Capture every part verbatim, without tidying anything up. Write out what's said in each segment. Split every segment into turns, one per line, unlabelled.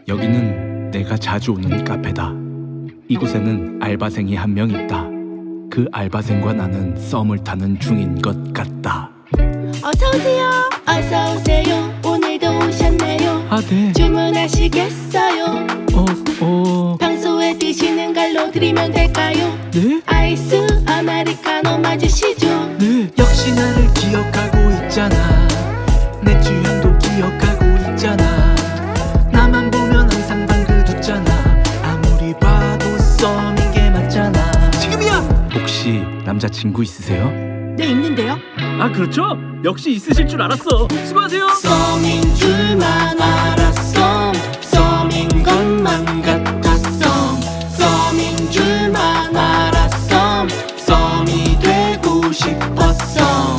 여기는 내가 자주 오는 카페다. 이곳에는 알바생이 한 명 있다. 그 알바생과 나는 썸을 타는 중인 것 같다.
어서오세요. 어서오세요. 오늘도 오셨네요.
아, 네.
주문하시겠어요?
어, 어...
평소에 드시는 걸로 드리면 될까요?
네?
아이스 아메리카노 맞으시죠?
네.
역시 나를 기억하고 있잖아. 내 주연도 기억하고 있잖아. 나만 보면 항상 방긋 웃잖아. 아무리 봐도 썸인 게 맞잖아. 지금이야!
혹시 남자친구 있으세요?
네, 있는데요.
아 그렇죠? 역시 있으실 줄 알았어. 수고하세요.
썸인 줄만 알았어. 썸인 것만 같았어. 썸인 줄만 알았어. 썸이 되고 싶었어.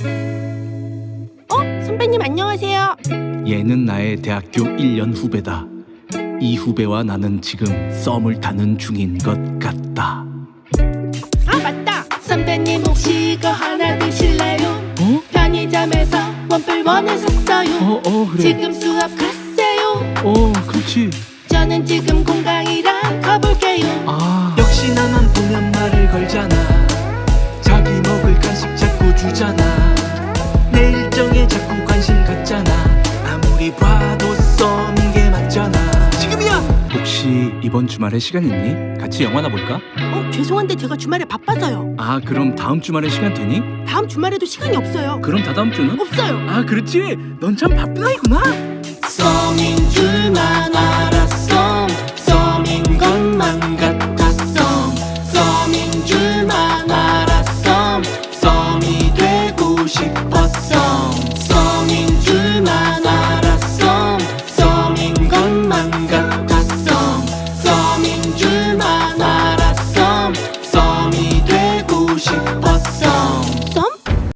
어? 선배님 안녕하세요.
얘는 나의 대학교 일 년 후배다. 이 후배와 나는 지금 썸을 타는 중인 것 같다.
아 맞다. 선배님 혹시 이거 하나 드실래요?
어?
편의점에서 원뿔원을 샀어요.
어, 어, 그래.
지금 수업 갔어요.
어, 그렇지.
저는 지금 공강이랑 가볼게요.
아,
역시 나만 보면 말을 걸잖아. 자기 먹을 간식 자꾸 주잖아. 내 일정에 자꾸 관심 갖잖아. 아무리 봐도 썸인 게 맞잖아. 지금이야!
혹시 이번 주말에 시간 있니? 같이 영화나 볼까?
어 죄송한데 제가 주말에 바빠서요.
아, 그럼 다음 주말에 시간 되니?
다음 주말에도 시간이 없어요.
그럼 다다음 주는?
없어요.
아 그렇지. 넌 참 바쁜 아이구나.
썸인 줄만 알았어. 썸인 것만 같았어. 썸인 줄만 알았어. 썸이 되고 싶었어. 썸인 줄만 알았어. 썸인 것만 같았어.